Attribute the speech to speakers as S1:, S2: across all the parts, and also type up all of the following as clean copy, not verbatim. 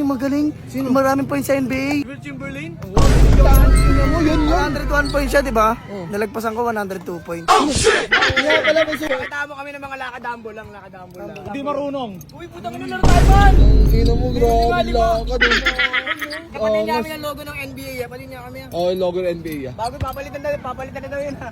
S1: yung magaling? Sino? Maraming points sa NBA.
S2: Will Chamberlain?
S1: Tingnan mo, yun. 101 points siya, di ba? Nalagpasan ko 102 points.
S3: Kaya pala may sugat.
S2: Nakita mo kami ng mga lakadambo lang.
S4: Hindi marunong.
S2: Uy, putang ina laro tayo man!
S3: Ina mo, grabe lakad.
S2: Kapatid niya kami ng logo ng NBA. Kapatid niya kami.
S3: Oh, logo ng NBA ah.
S2: Bago papalitan na daw yun ha.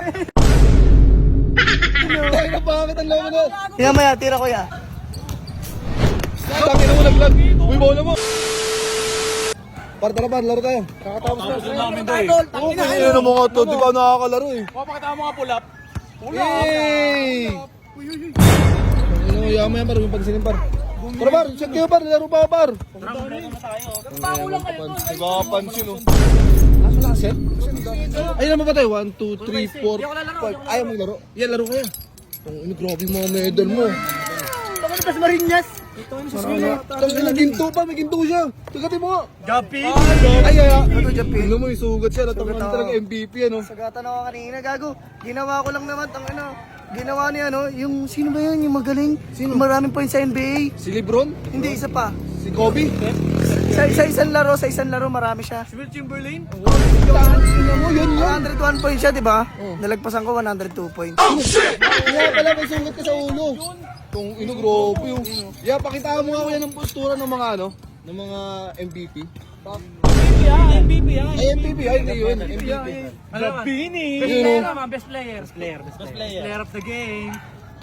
S3: Ay, na bakit ang logo na?
S1: Tingnan mo yan, tira ko yan.
S3: Tangin na mo, naglag. Uy, bola mo. Tara, laro tayo.
S4: Tapos na namin daw eh.
S2: Idol,
S3: Oo,
S2: tangina.
S3: kaya na mga to, di ka nakakalaro eh.
S4: Pakita mo mga pull-up.
S3: Yay! Ano, yaman yan par, yung pagisinin par. Tara par, check kayo par, laro pa par.
S2: Pakulang kayo doon.
S3: Nagpapansin oh. Aso na set? Ayun naman ba tayo? 1, 2, 3, 4, 5. Ayaw maglaro? Yan, laro kaya. Ano, grabe yung mga medal mo.
S2: Baka na Marinas.
S3: Tangin na ginto pa, may ginto siya. Tagatin mo nga.
S4: Gapi!
S3: Ay,
S1: Ano, Japin?
S3: Ano mo, yung sugat siya. Natangin
S1: Sugat
S3: talaga
S1: ako.
S3: MVP ano.
S1: Sagatan ako kanina, gago. Ginawa ko lang naman, ginawa niya, yung, sino ba yun, yung magaling? Sino? Maraming points sa NBA.
S3: Si Lebron?
S1: Hindi, isa pa.
S3: Si Kobe?
S1: Sa isang laro, marami siya.
S2: Will Chamberlain?
S1: Tingnan mo, yun. 101 points siya, di ba? Nalagpasan ko 102 points.
S3: Kaya pala may sugat ka sa ulo. Itong grabe yung... Yeah, pakitaan mo nga kuya ng postura ng mga ng mga MVP.
S2: MVP yan.
S3: Ay, MVP, ay hindi yun. MVP.
S4: Gabini!
S2: Best player. Best player of the game.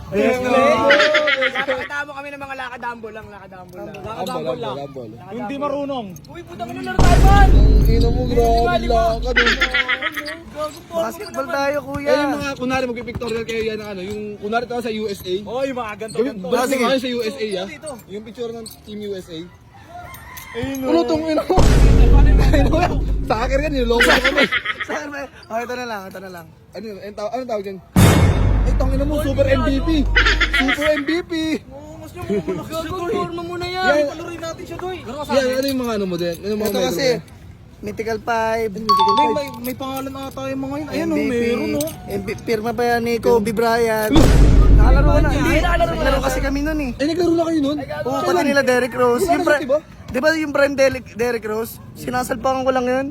S3: Yes,
S2: Nakita mo kami ng mga lakadambo lang.
S3: Ambol.
S4: Hindi marunong.
S2: Uy, putang ina laro tayo man!
S3: Ina mo, grabe lakad.
S1: Basketball tayo, kuya.
S3: Eh, yung mga, kunwari mag-pictorial kayo yan ng yung, kunwari tayo sa USA.
S4: Oh, yung mga ganto.
S3: Basta kayo sa USA, ah. Yung picture ng Team USA. Ano tong ina mo? Sa akin yan, yung logo ko kami.
S1: Saan ba? Oh, ito na lang.
S3: Ano tawag dyan? Ay, tangina mo, super MVP. Super MVP.
S2: Mas yung malaki sa forma mo na yan.
S3: Yan.
S2: Palurin natin siya doy.
S3: Yan, ano yung mga ano mo din? Ano yung mga
S1: Ito kasi, Mythical 5,
S4: May pangalan ata yung mga yun. Ayan o,
S1: MVP,
S4: meron o.
S1: Pirma pa yan ni Kobe Bryant. Nakalaro ko na. Hindi, nakalaro kasi kami nun eh.
S3: Ay, naglaro na kayo nun?
S1: Oo, pati nila Derrick Rose.
S3: Yung ano, diba?
S1: Di ba yung prime Derrick Rose? Sinasalpakan ko lang yun.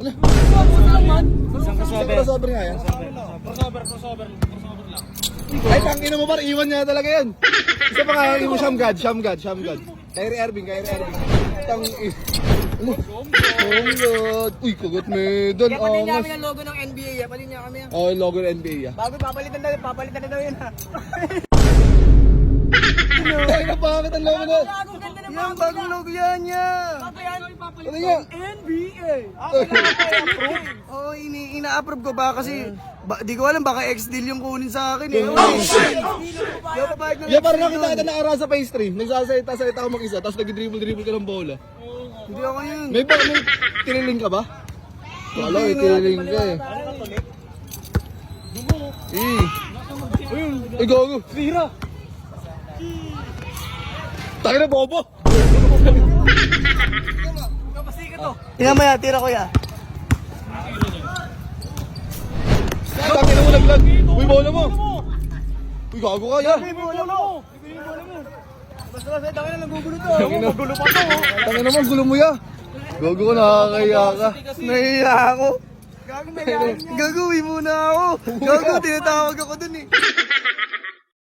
S3: Crossover nga yan.
S4: Crossover.
S3: Ay, tangina mo par, iwan niya talaga yan. Isa pa nga yung Sham God. Kyrie Irving. Ano? Oh God. Uy, kagat medal.
S2: Kapatid niya
S3: Angas.
S2: kami ng logo ng NBA. Kapatid niya kami.
S3: Oh, yung logo ng NBA ah.
S2: Bago papalitan na daw yun ha.
S3: Ay, na bakit ang logo na?
S2: Bago ganda ng
S1: Yan, bagong logo yan yan.
S3: Ano nga?
S2: NBA.
S1: Oo, ina-approve ko ba kasi di ko alam baka ex-deal yung kunin sa akin eh. Di ako papayag ng
S3: Yeah, parang
S1: ex-deal
S3: nakita
S1: dun.
S3: kita na sa pastry. Nagsasalita ako mag-isa, tapos nag-dribble ka ng bola.
S1: Hindi ako yun.
S3: May tiniling ka ba? Wala, may tiniling ka eh. Ay, gago.
S4: Sira!
S3: Tayo na, bobo.
S1: Tingnan mo yan, tira ko yan.
S3: Tayo na mo, naglag. Uy, bola mo. Uy, gago ka yan.
S2: Basta tangin na nagugulo to.
S3: Magulo pa to. Tayo naman, gulo mo ya. Gago ka, nakakaya ka.
S1: Nahiya ako. Gagawin muna ako. Tinatawag ako dun eh.